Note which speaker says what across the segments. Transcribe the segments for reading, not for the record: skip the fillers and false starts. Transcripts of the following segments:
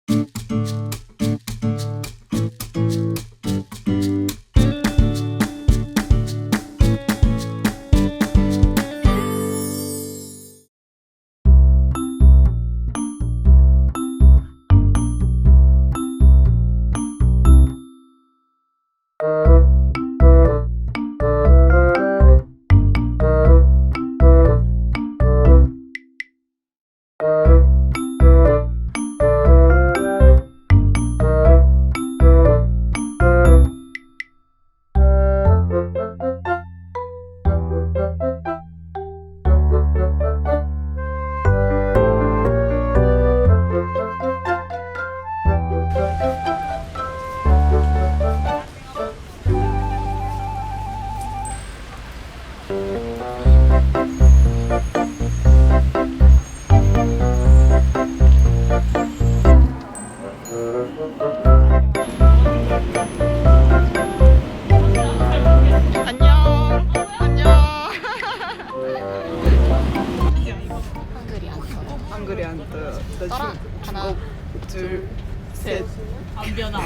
Speaker 1: 한글이 안 떠요.
Speaker 2: 떠라. 하나,
Speaker 1: 둘, 셋.
Speaker 2: 안 변화.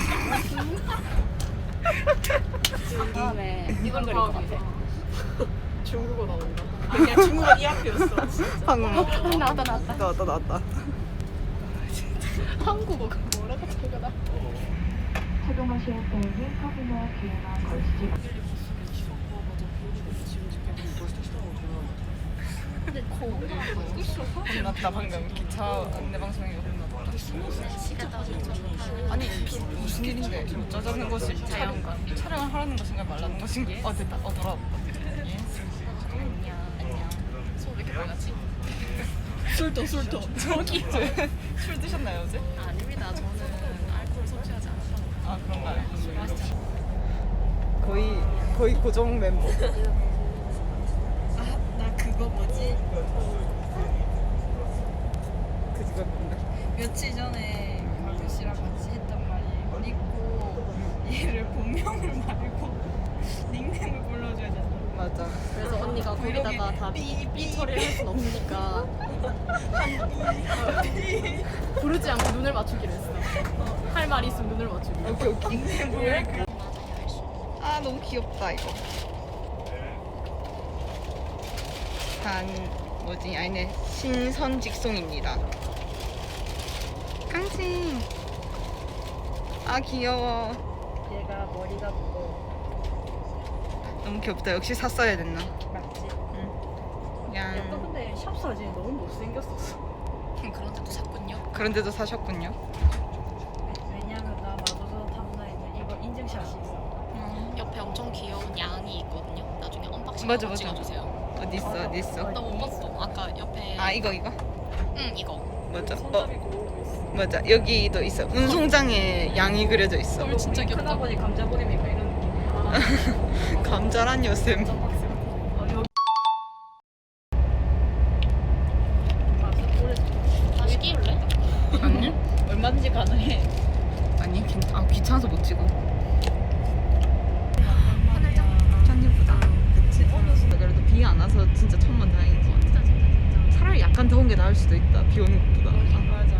Speaker 2: 다음에 이걸 그릴 것 같아.
Speaker 3: 중국어 나온다. 그냥 중국어 이 학교였어.
Speaker 1: 한국
Speaker 2: 나왔다.
Speaker 1: 나왔다.
Speaker 2: 한국어가 뭐라고 적어놔?
Speaker 4: 착용하실 때에는 컵이나 귀에만 걸치지 마세요.
Speaker 1: 혼났다 방금 기차 안내 방송에 혼났다. 아니 무슨 일인데 짜자는 것이 촬영을 하라는 것인가 말라는 것인가? 됐다. 돌아왔다. 예.
Speaker 2: 안녕. 손 왜 이렇게 빨갛지?
Speaker 3: 술도.
Speaker 1: 저기 술 드셨나요 어제?
Speaker 2: 아닙니다. 저는 알코올 섭취하지 않아서.
Speaker 1: 아 그런가요?
Speaker 2: 맛있잖아.
Speaker 1: 거의 고정 멤버.
Speaker 3: 나 그거 뭐지?
Speaker 1: 그거 뭔데?
Speaker 3: 며칠 전에 가그 씨랑 같이 했단 말이에요. 믿고 얘를 본명을 말고 닉네임을 불러줘야 된다.
Speaker 1: 맞아.
Speaker 2: 그래서 언니가 거기다가 다 삐 처리를 할 순 없으니까 부르지 않고 눈을 맞추기로 했어. 할 말이 있으면 눈을 맞추기.
Speaker 1: 오케이.
Speaker 3: 닉네임을
Speaker 1: 아 너무 귀엽다 이거. 아니네 신선직송입니다. 깡징. 아 귀여워.
Speaker 3: 얘가 머리가 무거워.
Speaker 1: 너무 귀엽다. 역시 샀어야 됐나?
Speaker 3: 맞지?
Speaker 1: 야.
Speaker 3: 약간 근데 샵 사진이 너무 못생겼었어.
Speaker 2: 그런데도 샀군요.
Speaker 1: 그런데도 사셨군요.
Speaker 3: 왜냐면 나 마도서 탐나에는 이거 인증샷이 있어.
Speaker 2: 옆에 엄청 귀여운 양이 있거든요. 나중에 언박싱
Speaker 1: 맞아,
Speaker 2: 한번
Speaker 1: 맞아.
Speaker 2: 찍어주세요.
Speaker 1: 어디 있어?
Speaker 2: 나 못 봤어. 아까 옆에.
Speaker 1: 아 이거.
Speaker 2: 응 이거.
Speaker 1: 맞아.
Speaker 3: 손잡이 고르고 있어.
Speaker 1: 맞아. 여기도 있어. 운송장에 양이 그려져 있어.
Speaker 2: 헐 진짜 귀엽다.
Speaker 3: 큰아버지 감자보림이니까 이런 느낌.
Speaker 1: 감자란 요셉.
Speaker 2: 다시 끼울래?
Speaker 1: 아니?
Speaker 3: 얼마든지 가능해.
Speaker 1: 아니 귀찮아서 못 찍어. 짠 예쁘다. 그치? 그래도 비 안 와서 진짜 천만 다행이지. 차라리 약간 더운 게 나을 수도 있다. 비 오는 것보다.
Speaker 3: 맞아.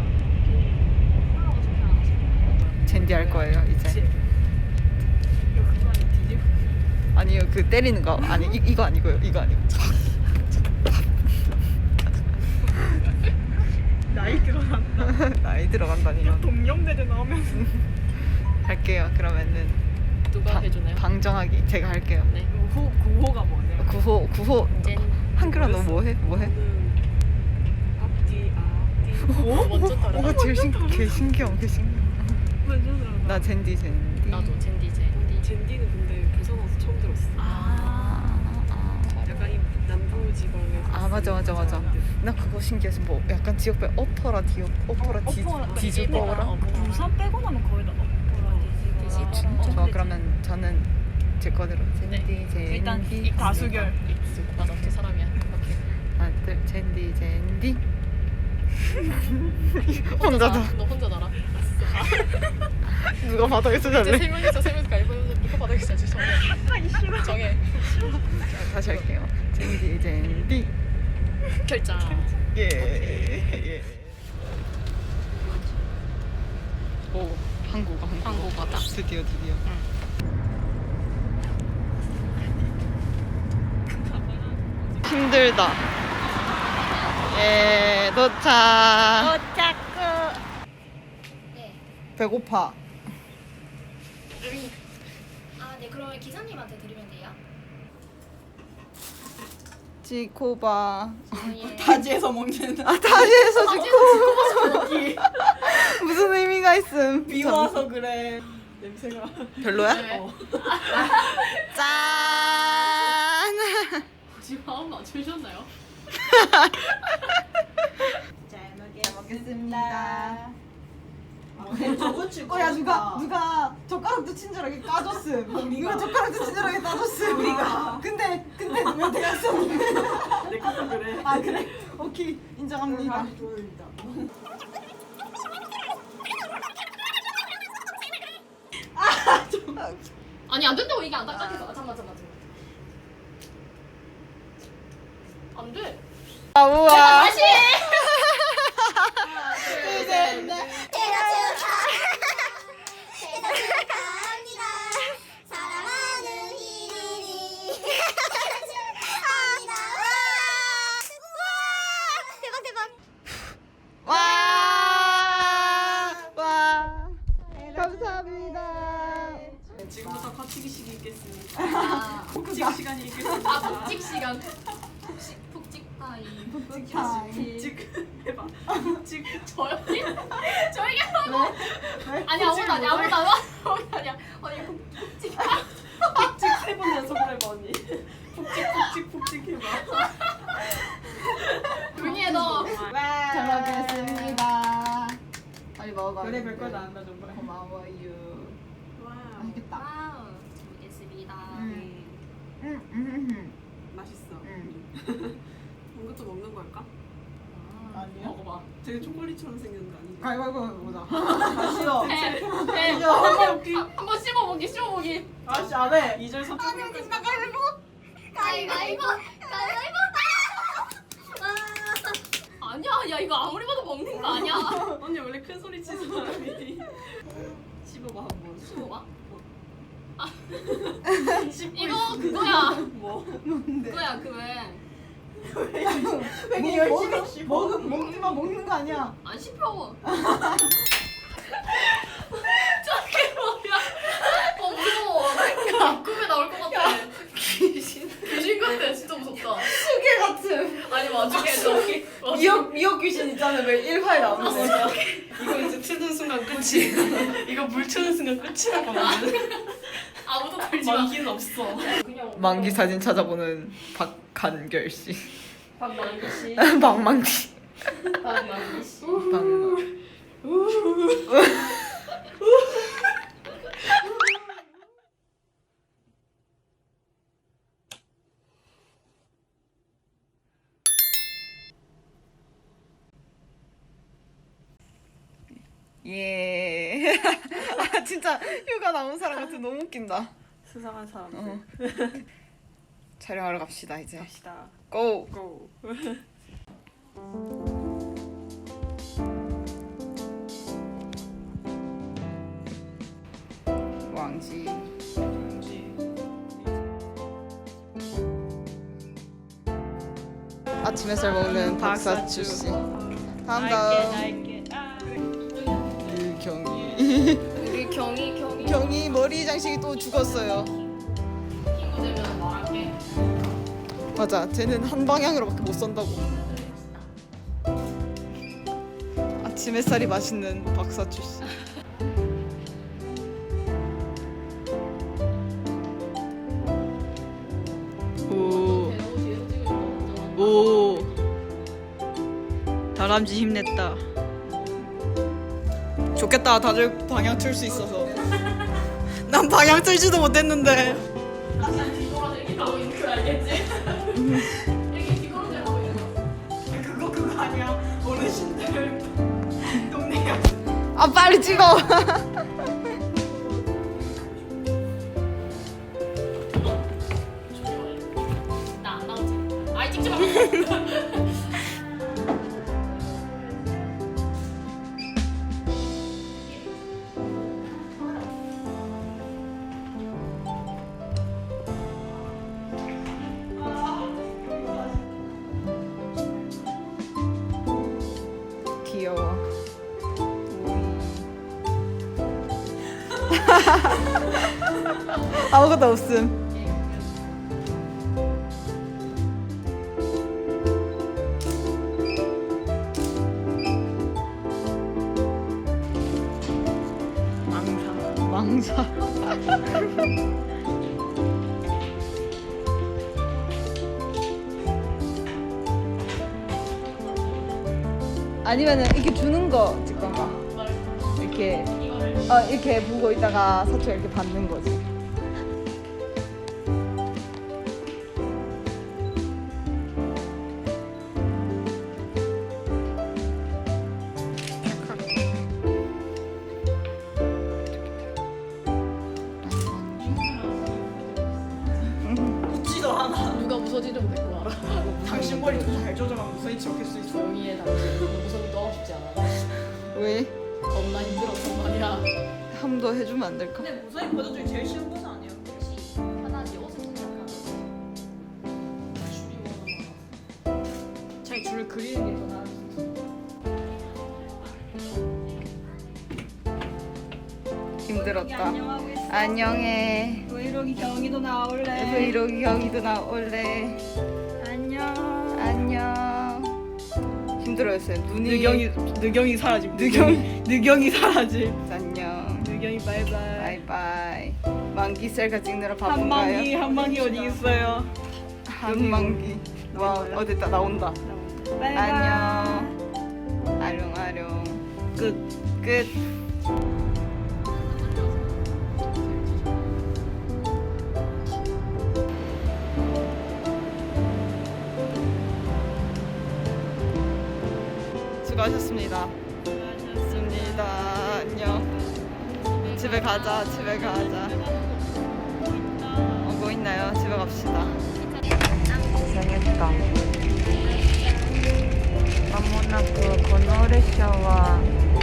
Speaker 1: 젠디 할 거예요 이제.
Speaker 3: 이거 그거 안에 뒤집어.
Speaker 1: 아니요 그 때리는 거 아니 이거 아니고요. 이거 아니고.
Speaker 3: 나이 들어간다.
Speaker 1: 나이 들어간다니요.
Speaker 3: 동년배들 나오면
Speaker 1: 할게요. 그러면은
Speaker 2: 누가 해주나요?
Speaker 1: 방정하기 제가 할게요.
Speaker 2: 네.
Speaker 3: 구호가 뭐냐?
Speaker 1: 9호
Speaker 2: 젠.
Speaker 1: 한글아 너 뭐해?
Speaker 3: 앞뒤
Speaker 2: 먼저 따라.
Speaker 1: 뭐가 제일 개 신기함. 나 젠디.
Speaker 2: 나도 젠디.
Speaker 3: 젠디는 근데 부산 와서 처음 들었어. 약간 이 남부 지방에서.
Speaker 1: 아 맞아. 나 그거 신기해서 뭐 약간 지역별 어퍼라 디즈버라.
Speaker 3: 부산 빼고 나면 거의 다
Speaker 2: 디지버.
Speaker 1: 진짜? 저 그러면 저는 제 거대로 젠디.
Speaker 3: 일단 이 다수결.
Speaker 2: 맞아 두 사람이야.
Speaker 1: 오케이. 하나 둘 젠디. 혼자다.
Speaker 2: 너 혼자 나라.
Speaker 1: 누가 바닥에서
Speaker 2: 이제
Speaker 1: 잘래?
Speaker 2: 세 명이서 이거 바닥에서 자지 정해.
Speaker 1: 다시 할게요. 젠디.
Speaker 2: 결정.
Speaker 1: 예. 오, 한국어다. 드디어. 힘들다. 예, 도착.
Speaker 5: 네.
Speaker 1: 배고파.
Speaker 5: 아, 네. 그러면 기사님한테 드리면 돼요?
Speaker 1: 지코바.
Speaker 5: 예.
Speaker 3: 바지에서 먹는
Speaker 1: 다시해서 지코. 무슨 의미가 있음?
Speaker 3: 비 와서 그래. 냄새가.
Speaker 1: 별로야?
Speaker 2: 네.
Speaker 1: 짠.
Speaker 2: 지금 마음 맞추셨나요?
Speaker 3: 잘
Speaker 1: 먹겠습니다.
Speaker 3: 저거 치고.
Speaker 1: 야 누가 젓가락도 친절하게 까줬음. 누가 젓가락도 친절하게 까줬음.
Speaker 3: 우리가.
Speaker 1: 근데 왜 대학생?
Speaker 3: 내 것도 그래.
Speaker 1: 아 그래? 오케이 인정합니다.
Speaker 2: 아니 안 된다고 이게 안 딱딱해서. 잠깐만. 안 돼.
Speaker 1: 아 우와.
Speaker 2: 다시.
Speaker 5: 사랑하는 희린이 대박
Speaker 1: 와. 감사합니다.
Speaker 3: 지금부터 거치기 시기 있겠습니다. 복직 시간이 있겠습니다.
Speaker 2: 아 복직 시간. 푹찍 타임.
Speaker 3: 복직 해봐. 복직.
Speaker 2: 저희 하고. 아니 아무도 아니야. 아니 복직.
Speaker 3: 복직 3번 연속으로 해봐 언니. 복직 해봐.
Speaker 2: 조용히 해 너.
Speaker 1: 잘 먹겠습니다. 빨리 먹어봐.
Speaker 3: 그래 별거 다 한다 정말.
Speaker 1: 고마워요.
Speaker 3: 와.
Speaker 1: 맛있겠다.
Speaker 5: 와우 잘 먹겠습니다.
Speaker 3: 맛있어. 이것도 먹는 걸까?
Speaker 1: 아니요.
Speaker 2: 먹어봐.
Speaker 3: 되게 초콜릿처럼 생긴 거 아닌가?
Speaker 1: 가위바위보 보자. 다시요.
Speaker 2: 해. 한번 씹어보기.
Speaker 3: 아씨 안 해. 2절 3절.
Speaker 5: 가위바위보
Speaker 2: 아니야. 야 이거 아무리 봐도 먹는 거 아니야.
Speaker 3: 언니 원래 큰 소리 치는 사람이. 씹어봐 한번.
Speaker 2: 씹어봐.
Speaker 3: 씹고
Speaker 2: 이거 그거야.
Speaker 3: 뭐?
Speaker 2: 그거야 그
Speaker 1: 왜 열심히 먹지만 먹는 거 아니야.
Speaker 2: 안 씹혀. 저게 뭐야? 무서워. 꿈에 나올 것 같아. 귀신 같아. 진짜 무섭다.
Speaker 1: 수개 같은.
Speaker 2: 아니 와중에 저기
Speaker 1: 미역 귀신 있잖아. 왜 1화에 나오는데.
Speaker 3: 이거 이제 트는 순간 끝이. 이거 물 트는 순간 끝이라고 나는.
Speaker 2: 아무도 걸지 마.
Speaker 3: 만기는 없어.
Speaker 1: 만기 사진 찾아보는 박한결 씨.
Speaker 3: 박만기 씨.
Speaker 1: 박만기.
Speaker 2: 박만기 씨.
Speaker 1: 박만. 예. 아 진짜 휴가 나온 사람 같아. 너무 웃긴다.
Speaker 3: 수상한 사람들.
Speaker 1: 어. 촬영하러 갑시다 이제.
Speaker 3: 갑시다.
Speaker 1: 고.
Speaker 3: 고.
Speaker 1: 왕지. 아침 햇살 먹는 박사추 씨. 다음. 유경이.
Speaker 2: 우리 경이
Speaker 1: 경이 머리 장식이 또 죽었어요.
Speaker 2: 친구 되면 말할게.
Speaker 1: 맞아. 쟤는 한 방향으로밖에 못 선다고. 아침 햇살이 맛있는 박사추 씨. 오. 오. 다람쥐 힘냈다. 좋겠다. 다들 방향 틀 수 있어서. 난 방향 틀지도 못했는데.
Speaker 2: 그냥 뒤돌아서 이렇게 가고 있는 거 알겠지? 이렇게 뒤돌아서 가고 있는 거.
Speaker 3: 그거 아니야. 어르신들 동네야.
Speaker 1: 아 빨리 찍어.
Speaker 2: 나안 나오지? 아이 찍지 마.
Speaker 1: 아무것도 없음. 망사. 아니면은 이렇게 주는 거 잠깐만. 이렇게 이렇게 보고 있다가 사촌 이렇게 받는 거지.
Speaker 2: 웃지도 않아. 누가 무서지려면 데리고 와라. 당신 머리 좀 잘 조정하면 무서인지 어쩔 수 있어. 조용히 해 당신. 무서운 거 하고 싶지 않아.
Speaker 1: 왜?
Speaker 2: 겁나 힘들었단 말이야.
Speaker 1: 함도 해주면 안 될까?
Speaker 2: 근데 무서운 버전 중에 제일 쉬운 버전 아니야?
Speaker 5: 혹시 편하지 어서 시작하고.
Speaker 2: 줄이 워낙 많아. 차라리 줄을 그리는 게 더 나을 수 있어.
Speaker 1: 힘들었다.
Speaker 3: 안녕하고 있어.
Speaker 1: 안녕해.
Speaker 3: 브이로그 경이도 나올래.
Speaker 1: 브이로그 경이도 나올래.
Speaker 3: 안녕.
Speaker 1: 안녕. 힘들어했어요. 눈이
Speaker 2: 느경이 사라짐.
Speaker 1: 느경이 사라짐. 안녕.
Speaker 2: 느경이 바이바이.
Speaker 1: 바이바이. 만기 셀카 찍느라 바쁜가요?
Speaker 2: 한방이 어디 있어요?
Speaker 1: 한만기. 와, 됐다. 나온다.
Speaker 3: 바이바이.
Speaker 1: 안녕. 아룡아룡. 끝. 수고하셨습니다. 수고하셨습니다. 안녕. 집에 가자. 오고 있나요? 집에 갑시다. 고생했다. まもなくこの列車は